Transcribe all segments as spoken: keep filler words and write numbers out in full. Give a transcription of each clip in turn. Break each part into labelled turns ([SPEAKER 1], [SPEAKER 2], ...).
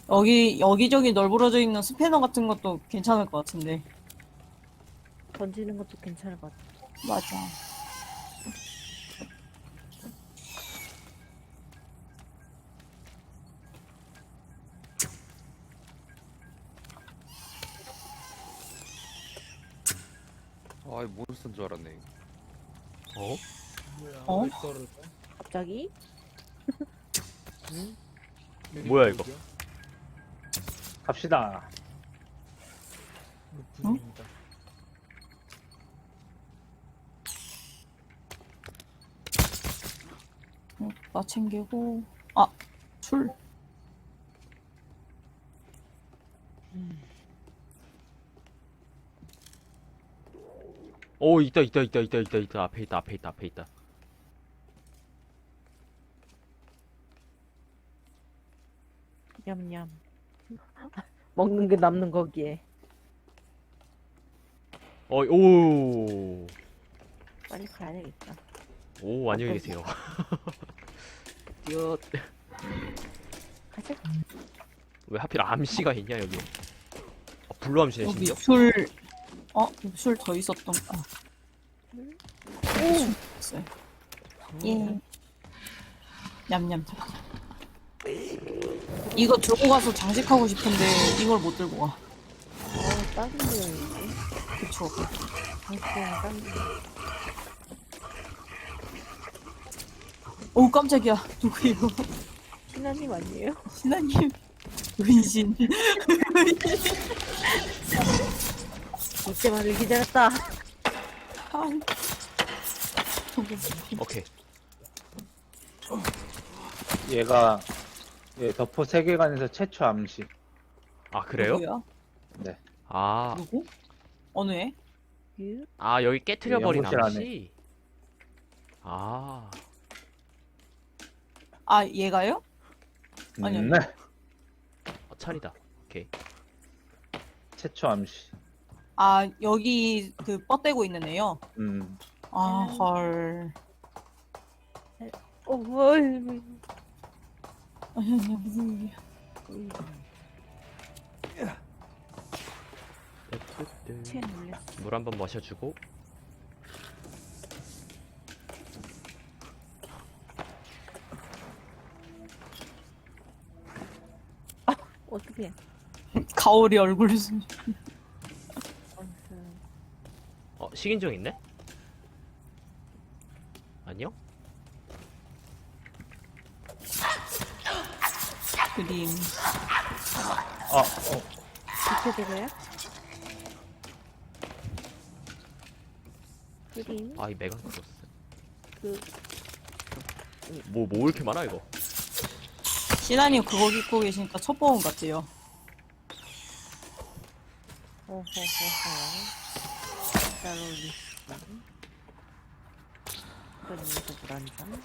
[SPEAKER 1] 여기 여기저기 널브러져 있는 스패너 같은 것도 괜찮을 것 같은데.
[SPEAKER 2] 던지는 것도 괜찮을 것 같아.
[SPEAKER 1] 맞아.
[SPEAKER 3] 아이 몬스터인 줄 알았네.
[SPEAKER 4] 어?
[SPEAKER 5] 뭐야?
[SPEAKER 1] 어?
[SPEAKER 5] 왜 떨어져?
[SPEAKER 2] 갑자기?
[SPEAKER 5] 응?
[SPEAKER 4] 뭐야, 이거?
[SPEAKER 5] 갑시다.
[SPEAKER 1] 응?
[SPEAKER 5] 부입니다.
[SPEAKER 1] 어, 나 챙기고. 아, 술.
[SPEAKER 4] 오, 있다, 있다, 있다, 있다, 있다, 있다. 앞에 있다, 앞에 있다, 앞에 있다.
[SPEAKER 2] 냠냠. 먹는 게 남는 거기에.
[SPEAKER 4] 어, 오.
[SPEAKER 2] 빨리 가야 되겠다.
[SPEAKER 4] 오, 안녕히 계세요. 뛰어.
[SPEAKER 2] 가자.
[SPEAKER 4] 왜 하필 암시가 있냐, 여기. 어, 블루 암시네,
[SPEAKER 1] 여기
[SPEAKER 4] 심지어.
[SPEAKER 1] 술. 어, 술 더 있었던. 아. 술 있어요. 예. 냠냠. 이거 들고 가서 장식하고 싶은데 이걸 못 들고 가.
[SPEAKER 2] 어, 다른 데야지.
[SPEAKER 1] 그쵸.
[SPEAKER 2] 당신은 딴 데.
[SPEAKER 1] 오, 깜짝이야. 누구예요?
[SPEAKER 2] 신하님 아니에요?
[SPEAKER 1] 신하님. 은신.
[SPEAKER 2] 이때만을 기다렸다.
[SPEAKER 1] 아.
[SPEAKER 4] 오케이.
[SPEAKER 5] 얘가 예, 덕포 세계관에서 최초 암시.
[SPEAKER 4] 아, 그래요?
[SPEAKER 1] 누구야?
[SPEAKER 5] 네.
[SPEAKER 4] 아,
[SPEAKER 1] 누구? 어느 애?
[SPEAKER 2] 유?
[SPEAKER 4] 아, 여기 깨트려버린
[SPEAKER 5] 연구실 안에.
[SPEAKER 4] 암시? 아.
[SPEAKER 1] 아, 얘가요? 아니요.
[SPEAKER 5] 음, 네.
[SPEAKER 4] 어, 찬이다. 오케이.
[SPEAKER 5] 최초 암시.
[SPEAKER 1] 아, 여기 그 뻗대고 있는 애요?
[SPEAKER 5] 음.
[SPEAKER 1] 아, 헐.
[SPEAKER 2] 어, 뭐,
[SPEAKER 1] 아니, 아니, 무슨 일이야.
[SPEAKER 2] 채 놀랬어.
[SPEAKER 4] 물 한 번 마셔주고.
[SPEAKER 2] 어떻게?
[SPEAKER 1] 가오리 얼굴 수.
[SPEAKER 4] 어, 식인종 있네? 아니요?
[SPEAKER 1] 그림.
[SPEAKER 5] 아, 어.
[SPEAKER 2] 비켜드려요? 그림,
[SPEAKER 4] 아, 이 메간 크로스.
[SPEAKER 2] 그,
[SPEAKER 4] 뭐, 뭐 이렇게 많아, 이거?
[SPEAKER 1] 신하님 그거 입고 계시니까 첩보원 같아요.
[SPEAKER 2] 호호호호. 따로리스. 그림에서 불안장.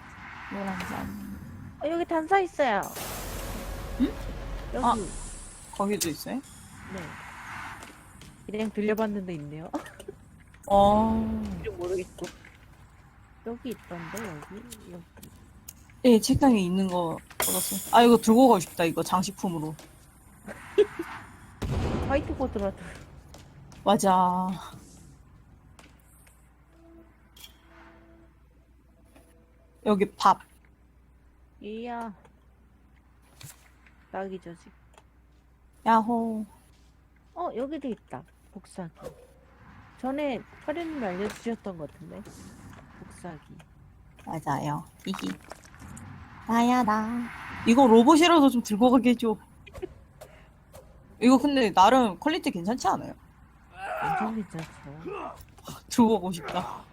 [SPEAKER 1] 노란산.
[SPEAKER 2] 어, 여기 단서 있어요.
[SPEAKER 1] 응?
[SPEAKER 2] 여기.
[SPEAKER 1] 아. 거기도 있어요?
[SPEAKER 2] 네. 그냥 들려봤는데 있네요.
[SPEAKER 1] 어.
[SPEAKER 2] 이름 모르겠고. 여기 있던데, 여기? 여기.
[SPEAKER 1] 예, 책상에 있는 거 얻었어요. 아, 이거 들고 가고 싶다, 이거 장식품으로.
[SPEAKER 2] 화이트보드라도.
[SPEAKER 1] 맞아. 여기 밥.
[SPEAKER 2] 이야. 딱이죠, 지금.
[SPEAKER 1] 야호.
[SPEAKER 2] 어, 여기도 있다. 복사기. 전에 화련님이 알려주셨던 것 같은데. 복사기.
[SPEAKER 1] 맞아요. 히히. 나야, 나. 이거 로봇이라도 좀 들고 가게 해줘. 이거 근데 나름 퀄리티 괜찮지 않아요?
[SPEAKER 2] 완전 괜찮죠.
[SPEAKER 1] 들고 가고 싶다.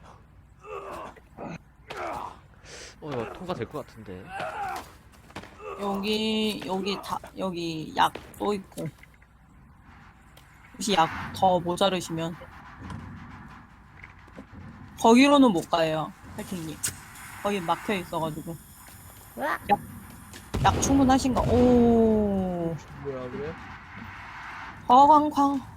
[SPEAKER 4] 어, 이거 통과될 것 같은데.
[SPEAKER 1] 여기, 여기 다, 여기 약 또 있고. 혹시 약 더 모자르시면. 거기로는 못 가요, 할킹님. 거기 막혀 있어가지고.
[SPEAKER 2] 으악!
[SPEAKER 1] 약 충분하신가? 오,
[SPEAKER 5] 뭐야, 그래?
[SPEAKER 1] 화광광.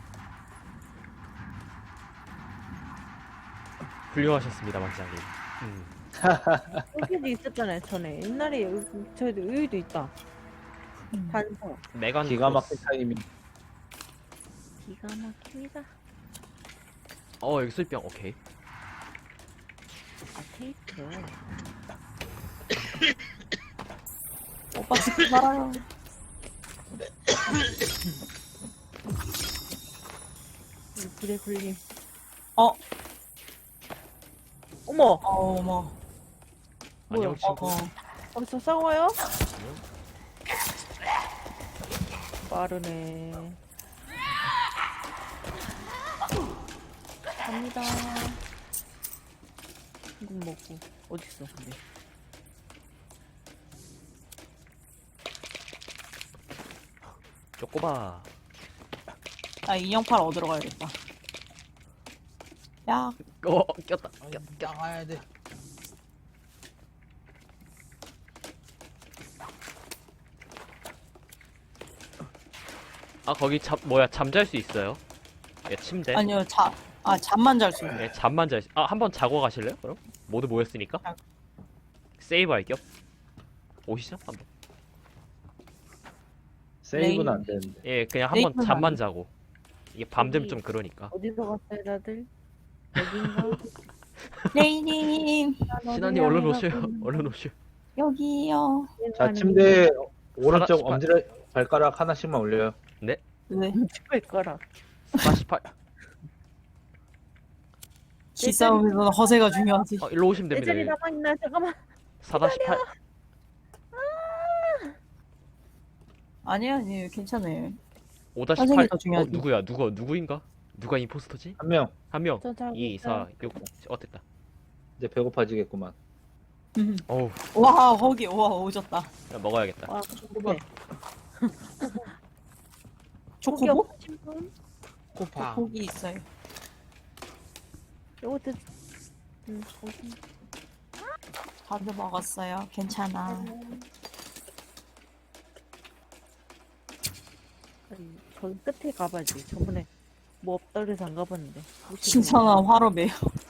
[SPEAKER 4] 훌륭하셨습니다, 왕장님. 음.
[SPEAKER 2] 여기도 있었잖아요, 전에. 옛날에 여기, 저희도 여기도 있다.
[SPEAKER 1] 음.
[SPEAKER 2] 단서.
[SPEAKER 4] 메간
[SPEAKER 5] 기가 막힌
[SPEAKER 4] 크로스.
[SPEAKER 5] 타이밍.
[SPEAKER 2] 기가 막힙니다.
[SPEAKER 4] 어 여기 술병 오케이.
[SPEAKER 2] 아, 테이프.
[SPEAKER 1] 오빠 죽지 말아요.
[SPEAKER 2] 이 불에 굴림.
[SPEAKER 1] 어?
[SPEAKER 2] 어머!
[SPEAKER 1] 어, 어머.
[SPEAKER 2] 뭐야?
[SPEAKER 4] 안녕 친구.
[SPEAKER 1] 어.
[SPEAKER 2] 벌써 싸워요? 빠르네. 갑니다. 한국 먹고. 어딨어, 근데.
[SPEAKER 4] 쪼꼬바.
[SPEAKER 1] 나 인형팔 얻으러 가야겠다. 야,
[SPEAKER 4] 어 꼈다. 꼈.
[SPEAKER 5] 나가야 돼.
[SPEAKER 4] 아 거기 잠 뭐야 잠잘 수 있어요? 예 침대.
[SPEAKER 1] 아니요, 자, 아, 잠만 잘 수 있네.
[SPEAKER 4] 예 잠만 잘. 수... 아 한번 자고 가실래요? 그럼 모두 모였으니까.
[SPEAKER 1] 자.
[SPEAKER 4] 세이브 할 겸. 오시죠 한번.
[SPEAKER 5] 세이브는
[SPEAKER 1] 레인.
[SPEAKER 5] 안 되는데.
[SPEAKER 4] 예 그냥 한번
[SPEAKER 1] 세이브는
[SPEAKER 4] 잠만
[SPEAKER 1] 안 돼.
[SPEAKER 4] 자고. 이게 밤 되면
[SPEAKER 2] 여기-
[SPEAKER 4] 좀 그러니까.
[SPEAKER 2] 어디서 갔어요, 다들? 여긴가?
[SPEAKER 1] 레이님,
[SPEAKER 4] 신하님 얼른 오세요. 얼른 오세요.
[SPEAKER 1] 여기요.
[SPEAKER 5] 자, 침대 오른쪽
[SPEAKER 4] 하나-
[SPEAKER 5] 엄지를 발가락 하나씩만 올려요.
[SPEAKER 1] 왜?
[SPEAKER 2] 할 거라.
[SPEAKER 4] 사십팔.
[SPEAKER 1] 기싸움에서는 허세가 중요하지.
[SPEAKER 4] 어 일로 오시면
[SPEAKER 2] 내
[SPEAKER 4] 됩니다.
[SPEAKER 2] 자리
[SPEAKER 4] 여기.
[SPEAKER 2] 남아있나? 잠깐만.
[SPEAKER 4] 사십팔.
[SPEAKER 1] 아니야, 아니에요. 괜찮아요.
[SPEAKER 4] 오십팔.
[SPEAKER 1] 선생님이 더
[SPEAKER 4] 어
[SPEAKER 1] 중요하지.
[SPEAKER 4] 누구야? 누구 누구인가? 누가 임포스터지?
[SPEAKER 5] 한 명.
[SPEAKER 4] 한 명.
[SPEAKER 2] 저 자고
[SPEAKER 4] 이,
[SPEAKER 2] 있어요.
[SPEAKER 4] 사, 육. 어 됐다.
[SPEAKER 5] 이제 배고파지겠구만.
[SPEAKER 1] 음.
[SPEAKER 4] 어우
[SPEAKER 1] 와, 허기, 와, 오졌다.
[SPEAKER 4] 야, 먹어야겠다.
[SPEAKER 2] 아, 근데 고기
[SPEAKER 1] 초코보?
[SPEAKER 2] 없으신 분?
[SPEAKER 5] 코파.
[SPEAKER 1] 고기 있어요.
[SPEAKER 2] 요거 드... 음, 고기.
[SPEAKER 1] 밥도 먹었어요. 괜찮아.
[SPEAKER 2] 아니, 저기 끝에 가봐야지. 저번에 뭐 없다 그래서 안 가봤는데. 혹시
[SPEAKER 1] 신선한 화로매요.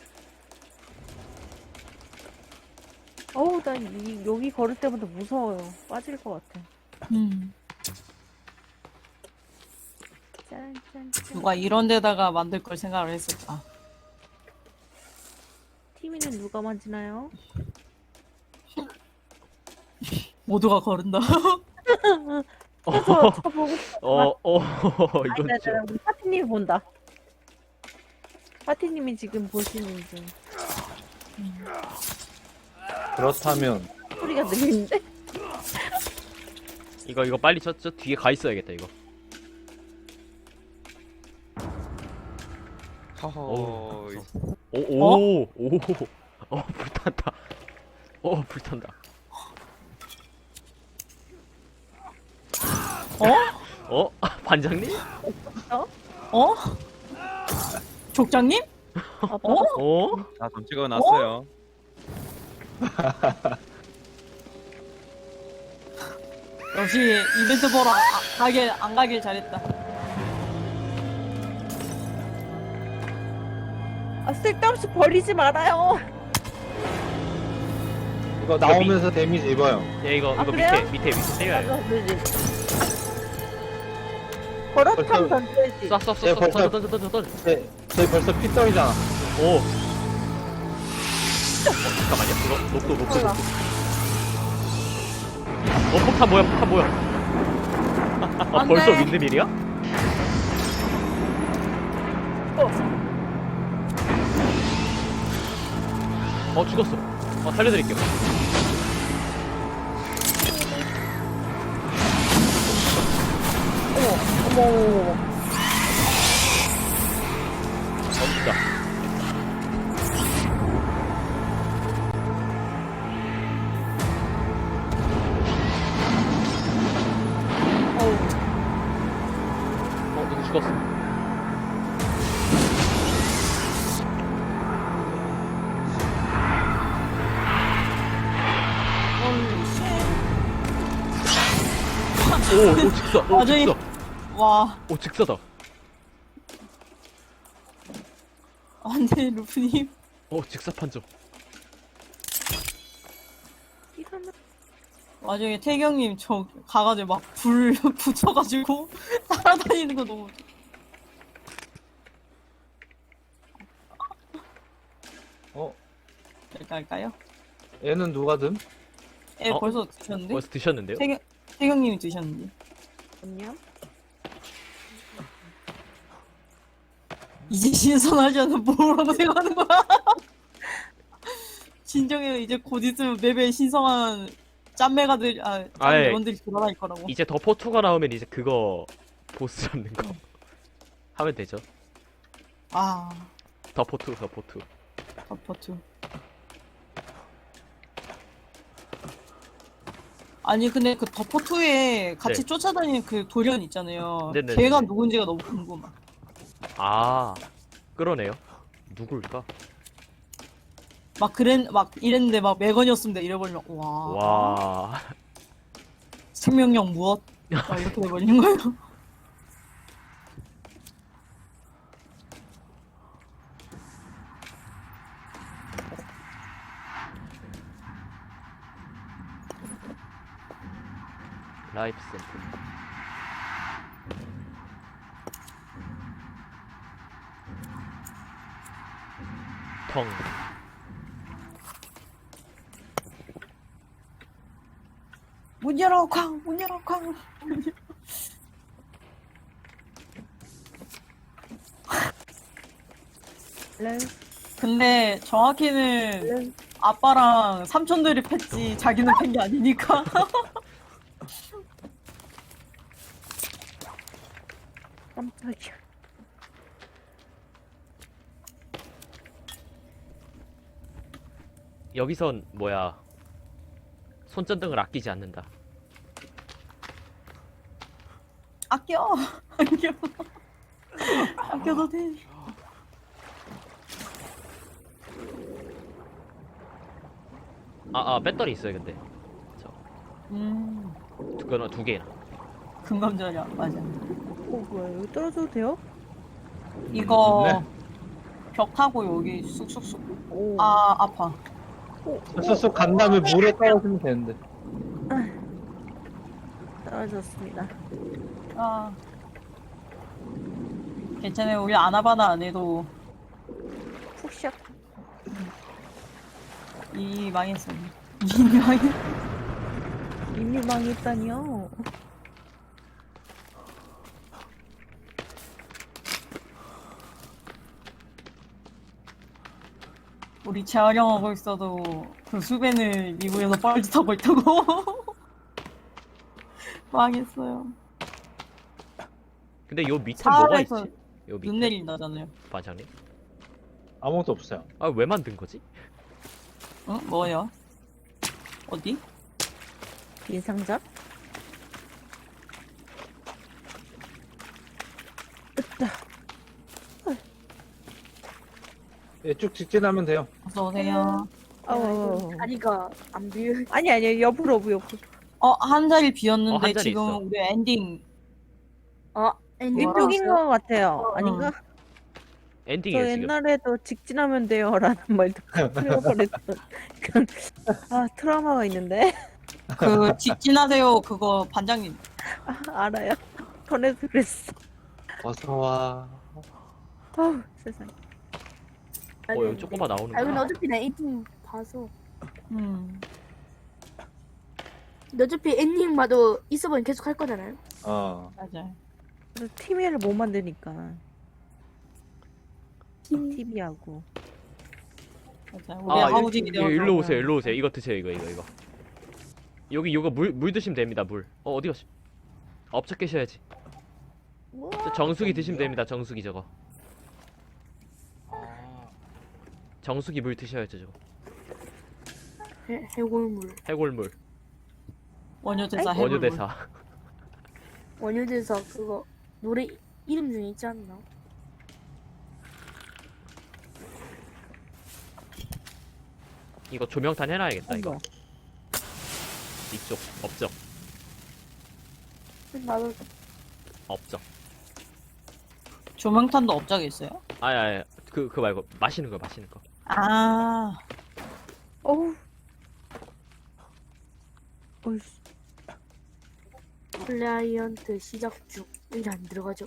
[SPEAKER 2] 어우, 나 이, 여기 걸을 때마다 무서워요. 빠질 것 같아.
[SPEAKER 1] 음.
[SPEAKER 2] 짠, 짠, 짠.
[SPEAKER 1] 누가 이런 데다가 만들 걸 생각을 했을까?
[SPEAKER 2] 티미는 누가 만지나요?
[SPEAKER 1] 모두가 거른다.
[SPEAKER 2] 쳐서 쳐보고.
[SPEAKER 4] 어, 어,
[SPEAKER 2] 아니,
[SPEAKER 4] 이건
[SPEAKER 2] 나,
[SPEAKER 4] 좀.
[SPEAKER 2] 나, 우리 파티님이 본다. 파티님이 지금 보시는 중.
[SPEAKER 5] 그렇다면
[SPEAKER 2] 소리가 들리는데?
[SPEAKER 4] 이거 이거 빨리 저, 저 뒤에 가 있어야겠다 이거.
[SPEAKER 3] 허허.
[SPEAKER 4] 어우,
[SPEAKER 3] 이-
[SPEAKER 4] 오, 오, 오, 어 불탄다. 어 불탄다.
[SPEAKER 1] 어?
[SPEAKER 4] 어 반장님?
[SPEAKER 1] 어? 족장님?
[SPEAKER 2] 아빠
[SPEAKER 1] 어?
[SPEAKER 4] 어?
[SPEAKER 3] 다 던지고 났어요.
[SPEAKER 1] 역시 이벤트 보러 아, 가길 안 가길 잘했다.
[SPEAKER 2] 아, 쓸데없이 버리지 말아요.
[SPEAKER 5] 이거 나오면서 데미지 입어요.
[SPEAKER 4] 예 이거
[SPEAKER 2] 아,
[SPEAKER 4] 이거
[SPEAKER 2] 그래요?
[SPEAKER 4] 밑에 밑에 밑에 때려요.
[SPEAKER 2] 맞아, 그러지. 버릇함
[SPEAKER 5] 벌써-
[SPEAKER 2] 던져야지.
[SPEAKER 4] 쏴쏴쏴
[SPEAKER 5] 예,
[SPEAKER 4] 쏴
[SPEAKER 5] 벌써-
[SPEAKER 4] 던져 던져 던져 던져.
[SPEAKER 5] 제, 제 벌써 피 떨이잖아.
[SPEAKER 4] 오. 어, 잠깐만요. 이거 녹도 녹도
[SPEAKER 2] 몰라.
[SPEAKER 4] 녹도. 어 폭탄 뭐야 폭탄 뭐야? 아
[SPEAKER 1] 안
[SPEAKER 4] 벌써
[SPEAKER 1] 돼.
[SPEAKER 4] 윈드밀이야? 어 죽었어. 어 살려드릴게요.
[SPEAKER 2] 어머, 어머, 어머.
[SPEAKER 4] 어 진짜. 어 누구 죽었어. 오, 오 직사. 오
[SPEAKER 1] 완전히-
[SPEAKER 4] 직사.
[SPEAKER 1] 와,
[SPEAKER 4] 오 직사다.
[SPEAKER 1] 안돼 루프님.
[SPEAKER 4] 오 직사 판정.
[SPEAKER 2] 기가 막-
[SPEAKER 1] 나중에 태경님 저 가가지고 막 불 붙여가지고 따라다니는 거 너무.
[SPEAKER 5] 어?
[SPEAKER 1] 될까 할까요?
[SPEAKER 5] 얘는 누가 든?
[SPEAKER 1] 애
[SPEAKER 4] 어?
[SPEAKER 1] 벌써 드셨는데?
[SPEAKER 4] 벌써 드셨는데요?
[SPEAKER 1] 태경 태경님이 드셨는데.
[SPEAKER 2] 안녕?
[SPEAKER 1] 이제 신선하지 않은 뭐라고 생각하는 거야? 진정해. 이제 곧 있으면 맵에 신성한 짠매가들 아
[SPEAKER 4] 아예.
[SPEAKER 1] 짠매원들이 돌아다닐 거라고.
[SPEAKER 4] 이제 더포투가 나오면 이제 그거 보스 잡는 거 하면 되죠.
[SPEAKER 1] 아
[SPEAKER 4] 더포투 더포투.
[SPEAKER 1] 버퍼투. 아니 근데 그 더포투에 같이
[SPEAKER 4] 네.
[SPEAKER 1] 쫓아다니는 그 돌연 있잖아요.
[SPEAKER 4] 네네네네.
[SPEAKER 1] 걔가 누군지가 너무 궁금해.
[SPEAKER 4] 아 그러네요. 누굴까?
[SPEAKER 1] 막 그랬 막 이랬는데 막 매건이었습니다. 이래버리면 와,
[SPEAKER 4] 와.
[SPEAKER 1] 생명력 무엇? 막 이렇게 돼버리는 거예요.
[SPEAKER 4] 라이프 샘플. 텅.
[SPEAKER 1] 문 열어 쾅! 문 열어 쾅!
[SPEAKER 2] 렌,
[SPEAKER 1] 근데 정확히는
[SPEAKER 2] 렌.
[SPEAKER 1] 아빠랑 삼촌들이 팼지 자기는 팬 게 아니니까.
[SPEAKER 2] 깜짝이야.
[SPEAKER 4] 여기선 뭐야? 손전등을 아끼지 않는다.
[SPEAKER 1] 아껴! 아껴. 아껴도 돼.
[SPEAKER 4] 아, 아 배터리 있어요 근데. 저
[SPEAKER 1] 음,
[SPEAKER 4] 두 개나 두 개나.
[SPEAKER 1] 금감절이야. 맞아.
[SPEAKER 2] 어, 뭐야, 여기 떨어져도 돼요?
[SPEAKER 1] 이거
[SPEAKER 5] 네.
[SPEAKER 1] 벽 타고 여기 쑥쑥쑥.
[SPEAKER 2] 오.
[SPEAKER 1] 아, 아파.
[SPEAKER 5] 쑥쑥 간 다음에 물에 떨어지면 되는데.
[SPEAKER 2] 떨어졌습니다.
[SPEAKER 1] 아. 괜찮아요. 우리 아나바나 안 해도
[SPEAKER 2] 푹샥.
[SPEAKER 1] 이 망했어. 이 망했.
[SPEAKER 2] 이미 망했다니요.
[SPEAKER 1] 우리 재활용하고 있어도 그 수벤을 미국에서 뻘짓하고 있다고. 망했어요.
[SPEAKER 4] 근데 요 밑에 뭐가 있지?
[SPEAKER 1] 사활에서
[SPEAKER 4] 요
[SPEAKER 1] 눈
[SPEAKER 4] 밑에
[SPEAKER 1] 내린다잖아요.
[SPEAKER 4] 반장님?
[SPEAKER 5] 아무것도 없어요.
[SPEAKER 4] 아 왜 만든 거지?
[SPEAKER 1] 어? 뭐요? 어디?
[SPEAKER 2] 빈 상자? 으따.
[SPEAKER 5] 예, 쭉 직진하면 돼요.
[SPEAKER 1] 어서오세요.
[SPEAKER 2] 아우.
[SPEAKER 6] 다리가 안 비어.
[SPEAKER 2] 아니, 아니, 옆으로, 옆으로, 옆으로.
[SPEAKER 1] 어, 한 자리
[SPEAKER 4] 어,
[SPEAKER 1] 비었는데
[SPEAKER 4] 한 자리
[SPEAKER 1] 지금
[SPEAKER 4] 있어.
[SPEAKER 1] 우리 엔딩.
[SPEAKER 6] 어, 엔딩
[SPEAKER 2] 이쪽인
[SPEAKER 6] 나왔어요?
[SPEAKER 2] 것 같아요. 아닌가? 저
[SPEAKER 4] 엔딩이에요 지금.
[SPEAKER 2] 옛날에도 직진하면 돼요. 라는 말 듣고 틀려버렸던 그런, 아, 트라우마가 있는데.
[SPEAKER 1] 그 직진하세요. 그거 반장님.
[SPEAKER 2] 아, 알아요. 전에도 그랬어.
[SPEAKER 5] 어서 와.
[SPEAKER 2] 아우, 세상에.
[SPEAKER 4] 어 여기 조금만
[SPEAKER 6] 아, 근데
[SPEAKER 4] 나오는구나.
[SPEAKER 6] 어차피 나 엔딩 봐서.
[SPEAKER 1] 음.
[SPEAKER 6] 근데 어차피 엔딩 봐도 있어보면 계속 할 거잖아요.
[SPEAKER 5] 어.
[SPEAKER 1] 맞아요.
[SPEAKER 2] 그래서 티비를 못 만드니까. 티비하고.
[SPEAKER 1] 맞아요. 우리
[SPEAKER 4] 아
[SPEAKER 1] 하우징이
[SPEAKER 4] 일,
[SPEAKER 1] 되어.
[SPEAKER 4] 일로 오세요 일로 오세요. 이거 드세요 이거 이거 이거. 여기 이거 물 물 드시면 됩니다 물. 어 어디 갔어? 아, 업적 계셔야지. 저 정수기 드시면 됩니다 정수기 저거. 정수기 물 드셔야죠 저거.
[SPEAKER 6] 해, 해골물.
[SPEAKER 4] 해골물.
[SPEAKER 1] 원효대사 해볼.
[SPEAKER 4] 원효대사.
[SPEAKER 6] 원효대사 그거 노래 이름 중에 있지 않나?
[SPEAKER 4] 이거 조명탄 해놔야겠다 이거.
[SPEAKER 2] 어머.
[SPEAKER 4] 이쪽 업적
[SPEAKER 6] 나도
[SPEAKER 4] 업적.
[SPEAKER 1] 조명탄도 업적에 있어요?
[SPEAKER 4] 아니 아니 그 그거 말고 마시는 거 마시는 거.
[SPEAKER 1] 아.
[SPEAKER 2] 어우, 어이씨.
[SPEAKER 6] 클라이언트 시작 중. 일 안 들어가죠.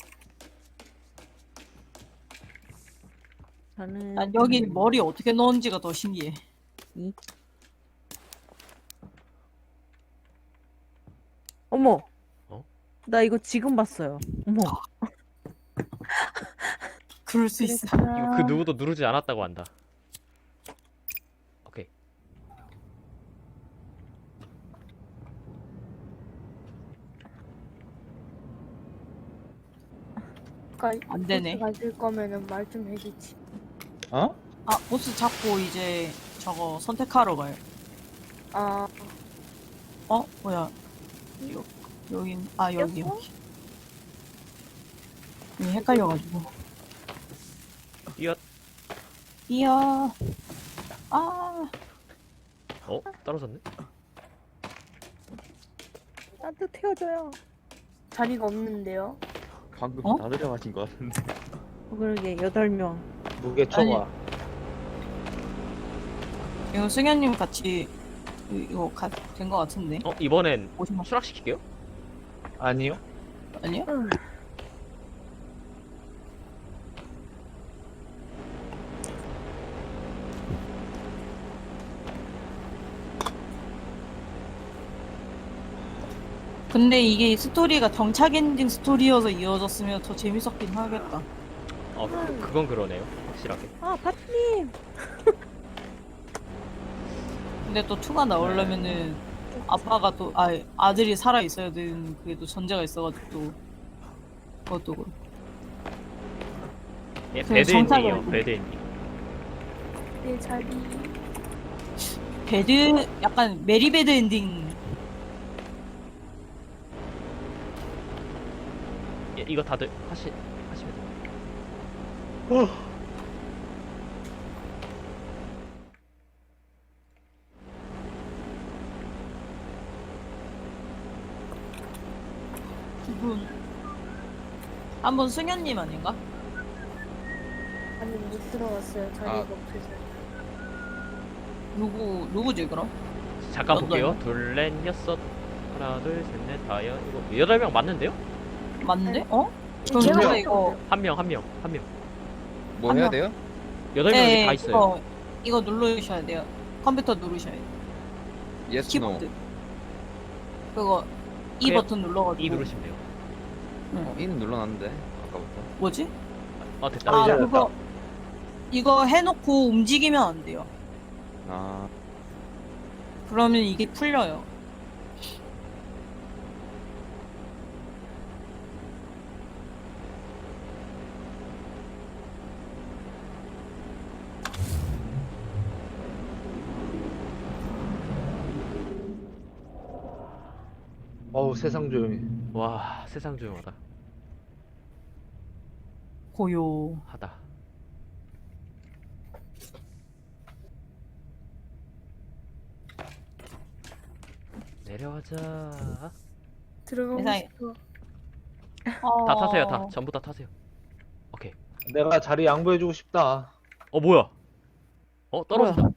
[SPEAKER 2] 저는
[SPEAKER 1] 난 여기 머리 어떻게 넣은지가 더 신기해.
[SPEAKER 2] 이. 어머.
[SPEAKER 4] 어?
[SPEAKER 2] 나 이거 지금 봤어요. 어머.
[SPEAKER 1] 그럴 수 있어.
[SPEAKER 4] 이거 그 누구도 누르지 않았다고 한다. 오케이.
[SPEAKER 6] 그러니까
[SPEAKER 1] 안 되네.
[SPEAKER 6] 가질 거면은 말 좀 해주지.
[SPEAKER 5] 어?
[SPEAKER 1] 아, 보스 잡고 이제 저거 선택하러 가요.
[SPEAKER 6] 아,
[SPEAKER 1] 어? 뭐야? 여, 여긴, 아, 여기,
[SPEAKER 2] 꼈어?
[SPEAKER 1] 여기. 여기 헷갈려가지고.
[SPEAKER 4] 이어.
[SPEAKER 1] 이야. 아,
[SPEAKER 4] 어? 떨어졌네?
[SPEAKER 2] 나도 태워줘요.
[SPEAKER 6] 자리가 없는데요.
[SPEAKER 3] 방금
[SPEAKER 1] 어?
[SPEAKER 3] 다 내려가신 것 같은데.
[SPEAKER 2] 어, 그러게 여덟 명.
[SPEAKER 5] 무게 초과.
[SPEAKER 1] 이거 승현님 같이, 이- 이거 가, 된 거 같은데?
[SPEAKER 4] 어? 이번엔
[SPEAKER 1] 오십만.
[SPEAKER 4] 추락시킬게요?
[SPEAKER 5] 아니요.
[SPEAKER 1] 아니요? 근데 이게 스토리가 정착 엔딩 스토리여서 이어졌으면 더 재밌었긴 하겠다.
[SPEAKER 4] 어, 그, 그건 그러네요. 확실하게.
[SPEAKER 2] 아 파트님.
[SPEAKER 1] 근데 또 이가 나오려면은 아빠가 또, 아, 아들이 살아 있어야 되는 그게 또 전제가 있어가지고 또 그것도 그렇고.
[SPEAKER 4] 예,
[SPEAKER 1] 그
[SPEAKER 4] 배드
[SPEAKER 1] 정착이
[SPEAKER 4] 엔딩이요.
[SPEAKER 1] 아니고.
[SPEAKER 4] 배드 엔딩.
[SPEAKER 6] 내 자리.
[SPEAKER 1] 배드, 약간 메리배드 엔딩.
[SPEAKER 4] 예, 이거 다들 하시, 하시면 돼요.
[SPEAKER 1] 기분. 한번 승현님 아닌가?
[SPEAKER 6] 아니 못 들어갔어요. 자리가
[SPEAKER 3] 아.
[SPEAKER 6] 없어서.
[SPEAKER 1] 누구, 누구지, 그럼?
[SPEAKER 4] 잠깐
[SPEAKER 1] 어,
[SPEAKER 4] 볼게요.
[SPEAKER 1] 네.
[SPEAKER 4] 둘, 넷, 여섯. 하나, 둘, 셋, 넷, 다섯, 이거 여덟 명 맞는데요?
[SPEAKER 1] 맞는데? 어? 그럼
[SPEAKER 6] 제가
[SPEAKER 1] 제가
[SPEAKER 6] 못
[SPEAKER 1] 이거,
[SPEAKER 6] 들어갔어요.
[SPEAKER 4] 한 명, 한 명, 한 명.
[SPEAKER 3] 뭐
[SPEAKER 1] 한
[SPEAKER 3] 해야
[SPEAKER 1] 명.
[SPEAKER 3] 돼요?
[SPEAKER 4] 여덟 명이
[SPEAKER 1] 네,
[SPEAKER 4] 다 있어요.
[SPEAKER 1] 이거, 이거 누르셔야 돼요. 컴퓨터 누르셔야 돼요.
[SPEAKER 3] 예스 노.
[SPEAKER 1] 키보드. 그거, 이
[SPEAKER 4] 그냥
[SPEAKER 1] 버튼 눌러가지고.
[SPEAKER 4] 이 누르시면 돼요.
[SPEAKER 3] 어, 이는 눌러놨는데 아까부터.
[SPEAKER 1] 뭐지?
[SPEAKER 4] 아, 됐다.
[SPEAKER 1] 아,
[SPEAKER 5] 이제
[SPEAKER 1] 그거, 이거 해놓고 움직이면 안 돼요.
[SPEAKER 3] 아
[SPEAKER 1] 그러면 이게 풀려요.
[SPEAKER 5] 어우 세상 조용해.
[SPEAKER 4] 와, 세상 조용하다.
[SPEAKER 1] 고요.
[SPEAKER 4] 하다. 내려가자.
[SPEAKER 6] 들어가고
[SPEAKER 1] 세상에.
[SPEAKER 6] 싶어.
[SPEAKER 1] 어...
[SPEAKER 4] 다 타세요, 다. 전부 다 타세요. 오케이.
[SPEAKER 5] 내가 자리 양보해주고 싶다.
[SPEAKER 4] 어, 뭐야? 어, 떨어졌다.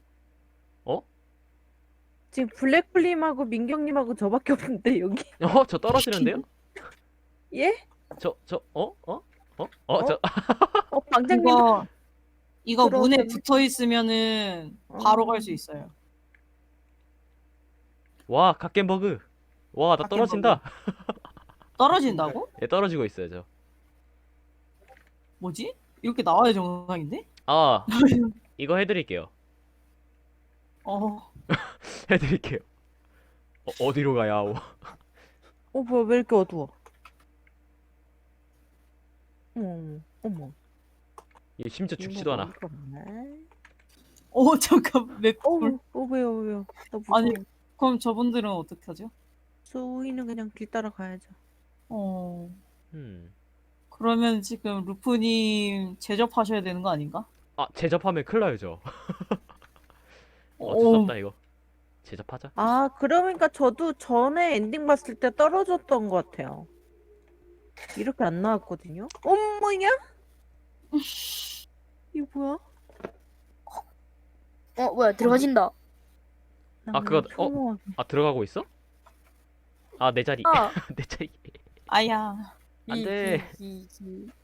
[SPEAKER 2] 지금 블랙플림하고 민경님하고 저밖에 없는데 여기.
[SPEAKER 4] 어, 저 떨어지는데요?
[SPEAKER 2] 예?
[SPEAKER 4] 저, 저, 어? 어? 어? 어, 저,
[SPEAKER 2] 어 방장님.
[SPEAKER 1] 이거, 이거 문에
[SPEAKER 2] 들어오셨네.
[SPEAKER 1] 붙어 있으면은 바로
[SPEAKER 2] 어.
[SPEAKER 1] 갈 수 있어요.
[SPEAKER 4] 와, 갓겜버그. 와, 나 떨어진다.
[SPEAKER 1] 떨어진다고?
[SPEAKER 4] 예, 떨어지고 있어요, 저.
[SPEAKER 1] 뭐지? 이렇게 나와야 정상인데?
[SPEAKER 4] 아, 이거 해드릴게요.
[SPEAKER 1] 어,
[SPEAKER 4] 해드릴게요. 어, 어디로 가야 하오?
[SPEAKER 2] 어 뭐야 왜 이렇게 어두워? 어머 어머.
[SPEAKER 4] 얘 심지어 죽지도 않아.
[SPEAKER 1] 어, 잠깐, 맵.
[SPEAKER 2] 어, 어 왜요 왜요? 나 무서워.
[SPEAKER 1] 아니, 그럼 저분들은 어떻게 하죠?
[SPEAKER 2] 소희는 그냥 길 따라 가야죠.
[SPEAKER 1] 어,
[SPEAKER 4] 음.
[SPEAKER 1] 그러면 지금 루프님 제접하셔야 되는 거 아닌가?
[SPEAKER 4] 아, 제접하면 큰일 나요, 저. 어쩔 수
[SPEAKER 1] 어,
[SPEAKER 4] 없다, 이거. 제접하자.
[SPEAKER 2] 아 그러니까 저도 전에 엔딩 봤을 때 떨어졌던 것 같아요. 이렇게 안 나왔거든요. 어머냐? 이거 뭐야?
[SPEAKER 6] 어 뭐야 들어가진다.
[SPEAKER 2] 나
[SPEAKER 4] 아, 그거-
[SPEAKER 2] 그냥 평범하게.
[SPEAKER 4] 아, 들어가고 있어? 아 내 자리
[SPEAKER 6] 아,
[SPEAKER 4] 내 자리
[SPEAKER 1] 아야.
[SPEAKER 4] 안 돼.
[SPEAKER 6] 이, 이, 이, 이.